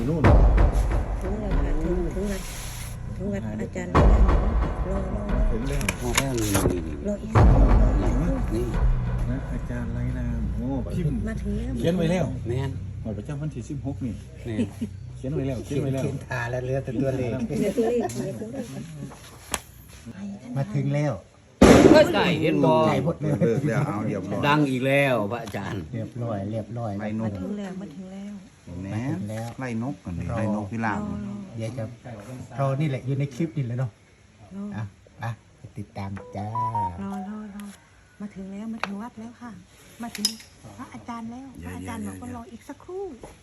นู่นถึงแล้วค่ะถึงวัดอาจารย์แล้วรอถึงแล้วมาแล้วนี่รออีกสักครู่นี่นะอาจารย์ไรนามโอ้พิมพ์มาถึงแล้วเขียนไว้แล้วแม่นหมดประจำวันที่16นี่แม่นเขียนไว้แล้วเขียนไว้แล้วเขียนทาแล้วเหลือแต่ตัวเลขเดี๋ยวตัวเลขค่ะมาถึงแล้วก็ได้เห็นบ่ใจหมดเลยเลิกแล้วเอาเรียบร้อยดังอีกแล้วพระอาจารย์เรียบร้อยไล่นมาก ถึงแล้วแหมไล่นกกันไล่นกพิราบเดี๋ยวจะรอนี่แหละอยู่ในคลิปนี่เลยเนาะรออ่ะไปติดตามจ้ารอมาถึงแล้วมาถึงวัดแล้วค่ะ มาถึงพระอาจารย์แล้วพระอาจารย์บอกว่ารออีกสักครู่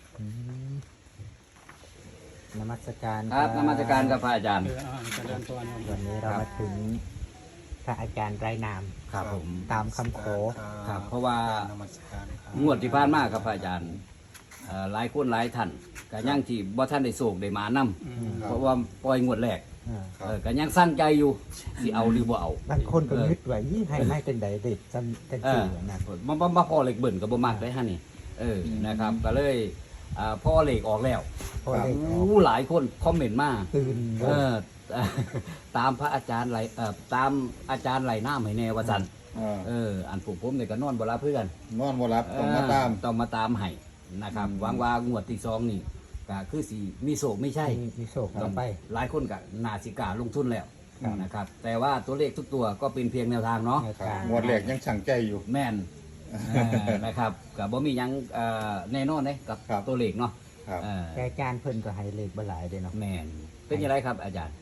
นมัสการครับนมัสการกับพระอาจารย์วันนี้เรามาถึงพระอาจารย์ไร้นามครับผมตามคำขอครับเพราะว่างวดที่ผ่านมาครับพระอาจารย์หลายคนหลายท่านก็ยังที่บ่ท่านได้โศกได้มานำเพราะว่าปล่อยงวดแรกก็ยังสร้างใจอยู่สิเอาหรือบ่เอาบางคนก็นึกไว้ให้ไม่เป็นใดเด็ดจันจีนะมาพอเหล็กเบิ่นก็บ่มักได้ฮะนี่นะครับก็เลยพ่อเหล็กออกแล้วพอเลขออกหลายคนคอมเมนต์มาตื่นเออ ตามพระอาจารย์ไหลตามอาจารย์ไหลน้ำให้แน่ว่าซั่นอันผมเนี่ยก็นอนบ่รับเพื่อนนอนบ่รับต้องมาตามต้องมาตามให้นะครับหวังว่างวดที่2นี่ก็คือสิมีโศกไม่ใช่มีโศกต่อไปหลายคนก็น่าสิกล้าลงทุนแล้วครับนะครับ แต่ว่าตัวเลขทุกตัวก็เป็นเพียงแนวทางเนาะครับงวดแรกยังช่างใจอยู่แม่นนะครับกับบ่มีหยังแน่นอนเลยกับครับตัวเลขเนาะครับแต่อาจารย์เพิ่นก็ให้เลขบ่หลายเด้เนาะแม่นเป็นยังไงครับอาจารย์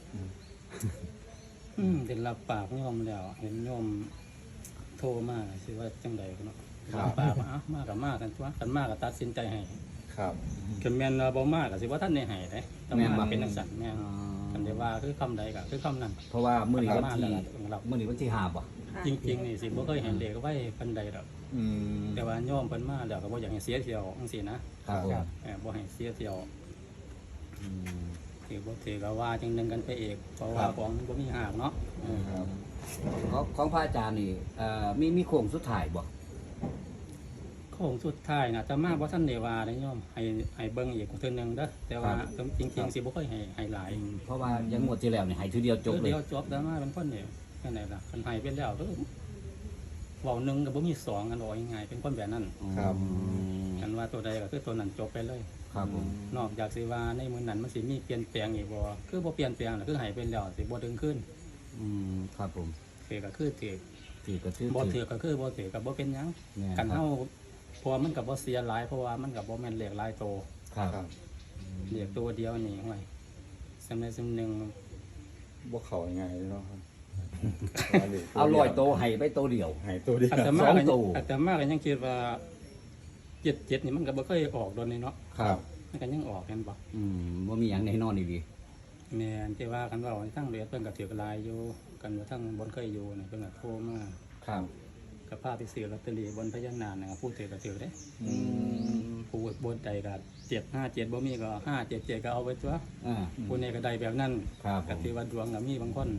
เป็นรับปากโยมแล้วเห็นโยมโทรมาสิว่าจังใดกันเนาะครับรับปากว่าอ้าวมากับมากันตัวกันมากับตัดสินใจให้ครับกันแม่นว่าบ่มาก็สิว่าท่านได้ให้เด้ต้องแม่นบ่มาเป็นจังซั่นแม่นกันได้ว่าคือคำใดก็คือคำนั้นเพราะว่ามื้อนี้วันมาที่แล้วรับมื้อนี้วันที่5บ่จริงๆนี่สิบ่เคยเห็นเลขไว้ปานใดดอกอืมแต่ว่าโยมเพิ่นมาแล้วก็บ่อยากให้เสียเที่ยวจังซี่นะครับผมบ่ให้เสียเที่ยวอืมถือบ่ถือก็ว่าจังนึงกันไปเองเพราะว่าของมันบ่มีหากเนาะครับของพระอาจารย์นี่มีโค้งสุดท้ายบ่โค้งสุดท้ายน่ะจะมาบ่ทันได้ว่าได้โยมให้เบิ่งอีกเทื่อนึงเด้อแต่ว่าจริงๆสิบ่ค่อยให้หลายเพราะว่ายังงวดที่แล้วนี่ให้ทีเดียวจบเลยเดียวจบแล้วมาเป็นคนนี่แค่ไหนล่ะคันให้เป็นแล้วเด้อเว้าหนึงก็บ่มีสองกันว่าง่ายๆเป็นคนแบบนั้นครับกันว่าตัวใดก็คือตัวนั้นจบไปเลยครับผมนอกจากสิว่าในมื้อนั้นมันสิมีเปลี่ยนแปลงอีกบ่คือบ่เปลี่ยนแปลงน่ะคือให้เป็นแล้วสิบ่ดึงขึ้นครับผมถือก็คือถือถือก็ถือบ่ถือก็คือบ่ถือก็บ่เป็นหยังแม่นกันครัเฮาบเพราะว่ามันก็บ่เสียหลายเพราะว่ามันก็บ่แม่นเลขหลายโตครับครับเลขตัวเดียวนี่ห่วยสำใดสำหนึงบ่เข้ายังไงเนาะครับเอาลอยโตให้ไปโตเดียวให้ตัวเดียวอาตมาสองก็ตัวอาตมาก็ยังคิดว่า77นี่มันก็บ่เคยออกโดนนี่เนาะครับมันก็ยังออกกันบ่ว่ามีอย่างแน่นอนดีแม่นที่ว่ากันว่าทั้งเรียนเพิ่นก็ถือกลายอยู่กันว่าทั้งบนเคยอยู่นี่เพิ่นก็โทรมาครับก็พาไปซื้อลอตเตอรี่บนพญานาคน่ะผู้ถือก็ถือเด้อืมผู้บนใดก็757บ่มีก็577ก็เอาไว้ตัวอ่าผู้นี้ก็ได้แบบนั้นครับก็ถือว่าดวงก็มีบางคน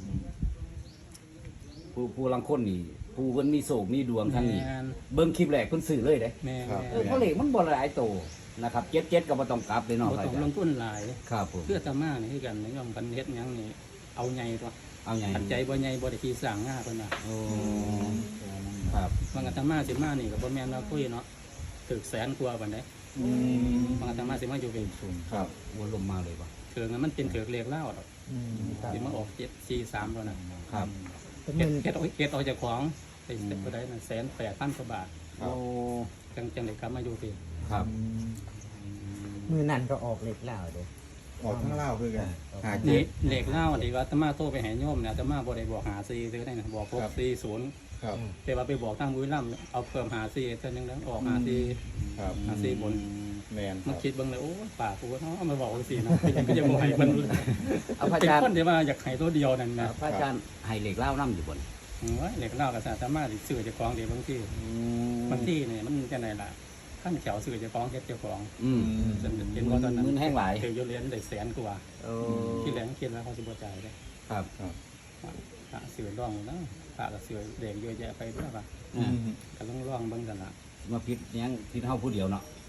ผู้ลังคนนี่ผู้เพิ่นมีโศกมีดวงทั้งนี้แม่นเบิ่งคลิปแรกเพิ่นซื้อเลยเด้แม่นเพราะเลขมันบ่หลายโตนะครับ77ก็บ่ต้องกลับเลยเนาะบ่พระต้ออาง จารลงย์ทุนหลายครับผมเพื่ออาตมานี่คือกันนิยมกันเฮ็ดหยังนี่เอาใหญ่ตัวเอาไงปัจจัยบ่ใหญ่บ่ได้ที่สร้างงาเพิ่นน่ะโอ้ครับบางอาตมาสิมานี่ก็บ่แม่นว่าคุยเนาะถึกแสนกว่าปานใดอืมบางอาตมาสิมาอยู่เป็นสูงครับวนลมมาเลยป่ะเถือกมันเป็นเถือกเรียกเล่าดอกสิมาออก743แล้วน่ะครับเฮ็ดออกจากของไปเสร็จบ่ได้น่ะ108,000กว่าบาทครับโอ้จังได้กลับมาอยู่พี่ครับมือนั่นก็ออกเลขแล้วเด้ออกทั้งเล่าคือกันหาเลเจ็ดขเลขเล่าที่ว่าอาตมาโทรไปให้โยมเนี่ยอาตมาบ่ได้บอกหา4ซื้อได้น่ะบอกครับ 640 ครับแต่ว่าไปบอกทางบุรีรัมย์เอาเพิ่มหา4เท่านึงแล้วออกหา4 ครับหา4บนแมนคมารับคิดเบิ่งเลยโอ้ยปากกูเนาะเอามาบอกจังซี่นะก็ยังบ่ให้เพิ่นเอาพระเป็นอาจารย์คนที่ว่าอยากให้ตัวเดียวนั่นนะพระอาจารย์ให้เหล็กเล่าน้ำอยู่บนโอ้ยเลขเล่าก็สามารถซื้อเจ้าของได้บางทีบางทีเนี่ยมันจังไดล่ะขั้นแถวซื้อเจ้าของเฮ็ดเจ้าของ จนเป็นว่าตอนนั้นมือแห้งหลายถือโยเรียนได้แสนกว่าโอ้ที่แรงคิดแล้วเขาสิบ่จ่ายได้ครับพระซื้อร่องนะพระก็ซื้อเด็กเยอะแยะไปเพื่อว่าอ่าก็ต้องร่องเบิ่งกันล่ะมาพิษยังพิษเฮาผู้เดียวเนาะแ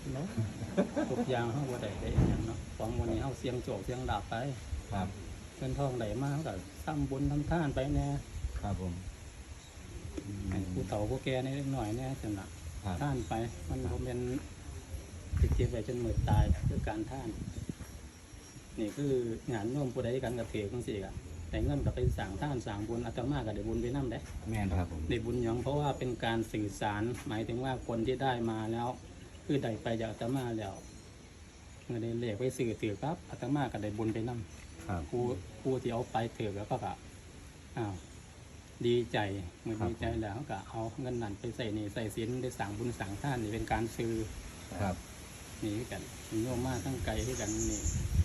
เนาะทุกอย่างเฮาบ่ได้ได้อิหยังเนาะของวันนี้เฮาเสียงโศกเสียงดาบไปครับเงินทองได้มาเฮาก็ทำบุญทำทานไปแน่ครับผมให้ผู้เฒ่าผู้แก่นิดหน่อยแน่จังน่ะครับท่านไปมันบ่แม่นสิเก็บไว้จนมื้อตายคือการท่าน นี่คืองานร่วมผู้ใดกันกับเถกจังซี่ก็แต่เงินก็ไปสร้างท่านสร้างบุญอาตมาก็ได้บุญไปนำได้แม่นครับผมได้บุญหยังเพราะว่าเป็นการสื่อสารหมายถึงว่าคนที่ได้มาแล้ว คือได้ไปจากอาตมาแล้วเมื่อได้เลขไปสื่อถือครับอาตมาก็ได้บุญไปนำครับครูที่เอาไปถือแล้วก็อ้าวดีใจเมื่อดีใจแล้วก็เอาเงินนั้นไปใส่นี่ใส่ศีลได้สั่งบุญสั่งท่านนี่เป็นการซื้อครับนี่คือกันมีโยมมาทั้งไกลที่กันนี่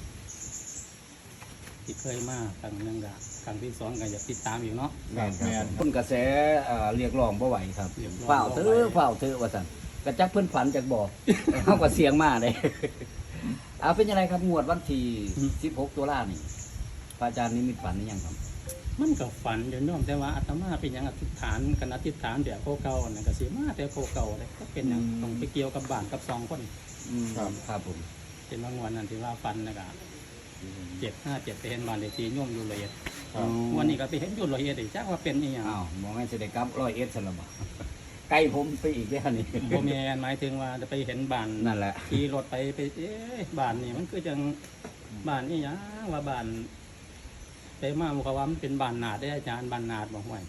ที่เคยมาครั้งหนึงก็ครั้งที่สองก็อยากติดตามอีกเนาะแม่นแม่นคนกระแสเรียกร้องบ่ไหวครับเรียกร้องเฝ้าเถอะเฝ้าเถอะว่าซั่นกระจักเพิ่นฝันจากบ่ เฮาก็เสียงมาเด้ เอาเป็นยังไงครับงวดวันที่16ตุลานี่พระอาจารย์นิมิตฝันหรือยังครับมันก็ฝันอยู่โน้มแต่ว่าอาตมาเป็นอย่างอธิษฐานกันอธิษฐานแบบเก่าๆนั่นก็สิมาแต่เก่าๆเลยก็เป็นอย่างต้องไปเกี่ยวกับบ้านกับสองคนครับผมเป็นบางวันนั้นที่ว่าฟันนะครับ757ไปเห็นบ้านเลขที่โยมอยู่ละเอียดครับวันนี้ก็ไปเห็นอยู่ละเอียดอีกจักว่าเป็นอีหยังอ้าวมองให้สิได้กลับ100ซั่นล่ะบ่ ใกล้ผมไปอีกแล้วนี่บ่แม่นหมายถึงว่าจะไปเห็นบ้านนั่นแหละขี่รถไปบ้านนี่มันคือจังบ้านอีหยังว่าบ้านไปมาบอกว่ามันเป็นบ้านนาดได้อาจารย์บ้านนาดบอกว่า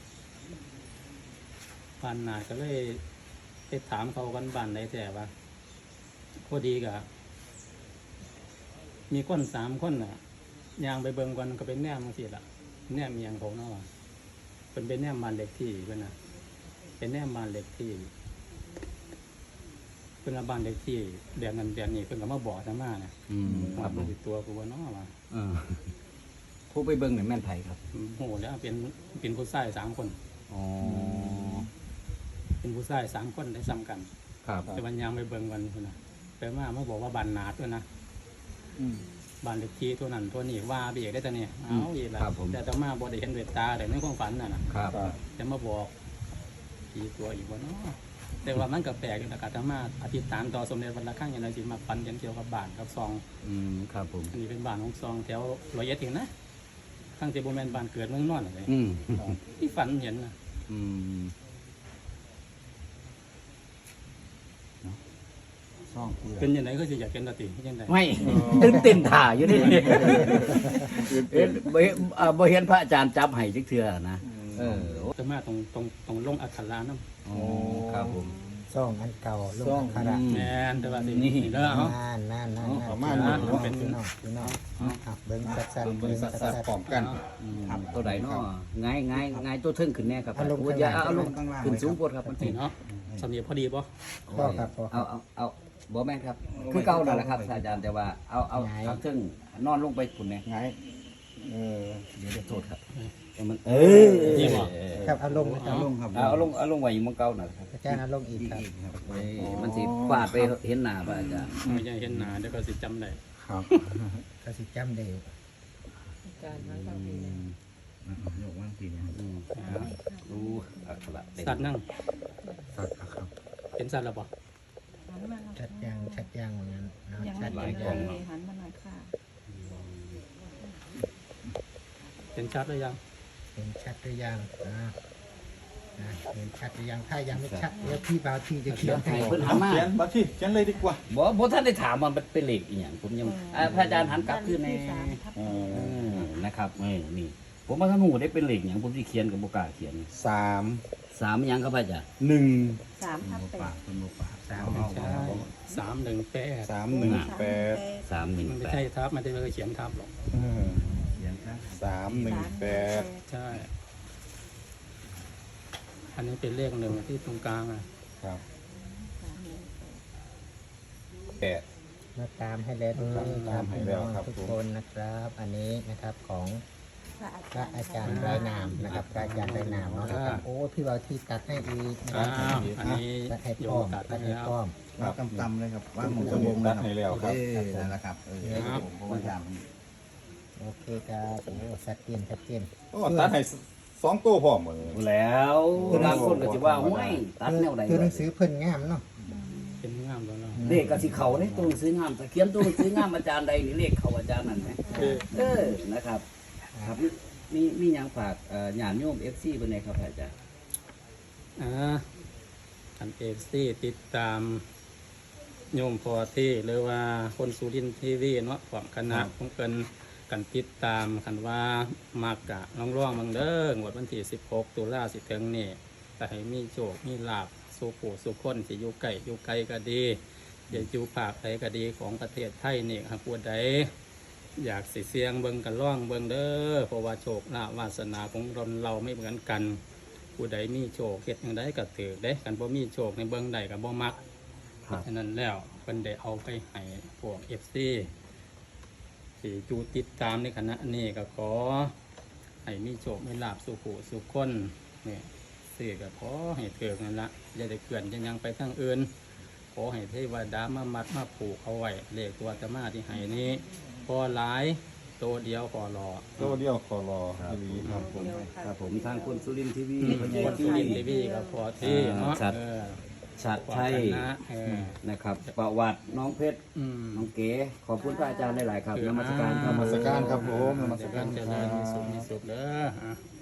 บ้านนาดก็เลยไปถามเขากันบ้านไหนแต่ว่าพอดีกับมีคน3 คนน่ะยางไปเบิ่งกันก็เป็นแนมบางทีละแนมเมียงเขาเนาะว่าเป็นแนมบ้านเล็กที่เพิ่นน่ะเป็นแนมบ้านเล็กที่เพิ่นว่าบ้านเล็กที่เดือนนั้นเดือนนี้เพิ่นก็มาบอกอาตมาเนี่ยครับผมติดตัวกูว่าเนาะว่าผู้ไปเบิ่งนี่แม่นไผครับโหแล้วเป็นผู้ชาย3 คนอ๋อเป็นผู้ชาย3 คนได้ซ้ำกันครับแต่วันยางไปเบิ่งกันพุ่นน่ะไปมาบอกว่าบ้านนาดด้วยนะบ้านเล็กที่ตัวนั้นตัวนี้ว่าไปอีกได้แต่เนี่ยเอาอีกแล้วครับผมแต่ต่อมาบ่ได้เห็นด้วยตาแต่ในความฝันน่ะนะครับ แต่มาบอกผีตัวอีกว่าเนาะแต่ว่ามันก็แปลกอยู่นะอาตมาอธิษฐานต่อสมเด็จวัดระฆังอย่างไรสิมาฝันเกี่ยวกับบ้านกับซองครับผมอันนี้เป็นบ้านของซองแถวร้อยเอ็ดเองนะทั้งที่บ่แม่นบ้านเกิดเมืองนอนอะไร ที่ฝันเห็นนะซ่องคือเป็นยังไงก็จะอยากเป็นตาติยังไงไม่ตื่นเต้นถ่าอยู่นี่เห็นบ่เห็นพระอาจารย์จับให้จักเทื่อนะโอ้แต่มาตรงลงอักขระน้ำครับผมซ่องอันเก่าลูกคาระแม่นแต่ว่าสินี่เด้อเอานั่นประมาณนั้นี้นเป็นพี่น้องเบิ้งสัดเบิ่งสัดๆพร้อมกันตัวใดเนาะง่ายตัวเทิงขึ้นแน่ครับอย่าเอาลงขึ้นสูงโพดครับมันสินี่เนาะสำเนียงพอดีป่ะพ่อครับพ่อเอาบ่แม่นครับ คือเก่านั่นแหละครับอาจารย์แต่ว่าเอาทางเทิงนอนลงไปคุณแน่ไงเดี๋ยวจะโทษครับมันนี่บ่ครับเอาลงเอาลงครับเอาลงไว้มังเก่าน่ะครับอาจารย์เอาลงอีกครับมันสิฟาดไปเห็นหน้าพระอาจารย์ไม่ใช่เห็นหน้าเดี๋ยวก็สิจำได้ครับก็สิจำได้ยกว่างทีเนี่ยรู้อักขระสัตว์นั่งสัตว์ครับเป็นสัตว์หรือเปล่าหันมาหน่อยชัดยังเหมือนกันยังชัไม่ดเห็นเลยหันมาหน่อยค่ะเป็นชัดหรือยังเห็นชัดหรือยังเห็นชัดหรือยังถ้ายังไม่ชัดเดี๋ยวพี่บ่าวที่จะเขียนให้เพิ่นถามมาเขียนบัตรที่เขียนเลยดีกว่าบ่ท่านได้ถามว่ามันเป็นเลขอีหยังผมยังพระอาจารย์หันกลับขึ้นใน นะครับนี่ผมว่าท่านหูได้เป็นเหล็กอย่างผมที่เขียนกับโบกล้าเขียน 3 3หยังครับพระอาจารย์ 1 3/8 เป็นหมูป่าใช่318 318 มันไม่ใช่ทับมันจะไม่เคยเขียนทับหรอกเขียนครับ 318 ใช่ อันนี้เป็นเลข1ที่ตรงกลางอ่ะครับ8 มาตามให้แล้วทุกคนตามให้แล้วครับทุกคนนะครับ อันนี้นะครับของพระอาจารย์ไร้นามนะครับพระอาจารย์ไร้นามเนาะนะครับโอ้พี่บ่าวที่ตัดให้อีกนะคอ้ารับวอันนี้ตัดให้โยป้อมมตัดตัดให้ให้แล้วป้อมครับตำๆเลยครับว่างหมูจะวงตัดให้แล้วครับนั่นแหละครับผมเพราะว่าจามโอเคครับโอ้ชัดเจนชัดเจนโอ้ตัดให้2ตัวพร้อมหมดเลยแล้วบางคนก็จะว่าห้วยตัดแนวใดคือหนังสือเพิ่นงามเนาะเป็นงามแล้วเนาะงเลขก็สิเข้าในตัวหนังสืองามถ้าเขียนตัวหนังสืองามอาจารย์ใดนี่เลขเข้าอาจารย์นั่นแหมนะครับ ครับมีหยังฝากญาติโยม FC เพิ่นได้ครับอาจารย์อันเอฟซีติดตามโยมพอที่หรือว่าคนสุรินทร์ทีวีเนาะความคณะของเกินกันติดตามคันว่ามากกะน้องร่องบางเด้องวดวันที่16 ตุลาสิถึงนี่แต่ให้มีโชคมีลาภสุขสุขคนสิอยู่ไกลก็ดีอย่าอยู่ภาคใดก็ดีของประเทศไทยนี่หากผู้ใดอยากสิเสียงเบิ่งกันร่องเบิ่งเด้อเพราะว่าโชคลาภวาสนาของเราไม่เหมือนกันผู้ใดมีโชคเฮ็ดอย่างใดก็ถือได้กันบ่มีโชคในเบิ่งใดก็บ่มักฉะนั้นแล้วเพิ่นได้เอาไปให้พวก FC ที่จูติดตามในคณะนี้ก็ขอให้มีโชคมีลาภสุขสุขคนเนี่ยสื่อก็ขอให้เกิดนั่นละอย่าได้เกินยังไปทางอื่นขอให้เทวดามามัดมาผูกเอาไว้เลขตัวอาตมาที่ให้นี้พอหลายตัวเดียวพอรอตัวเดียวขอรอทีวีครับผมครับผมทางคนสุรินทร์ทีวีพอที่ยินทีวีก็พอที่เนาะชัดความไทยคณะนะครับ ประวัติน้องเพชร น้องเก๋ขอบคุณพระอาจารย์หลายๆครับนมัสการครับนมัสการครับผมนมัสจะการเจคริรัญมีสุขบมีสุขเด้อ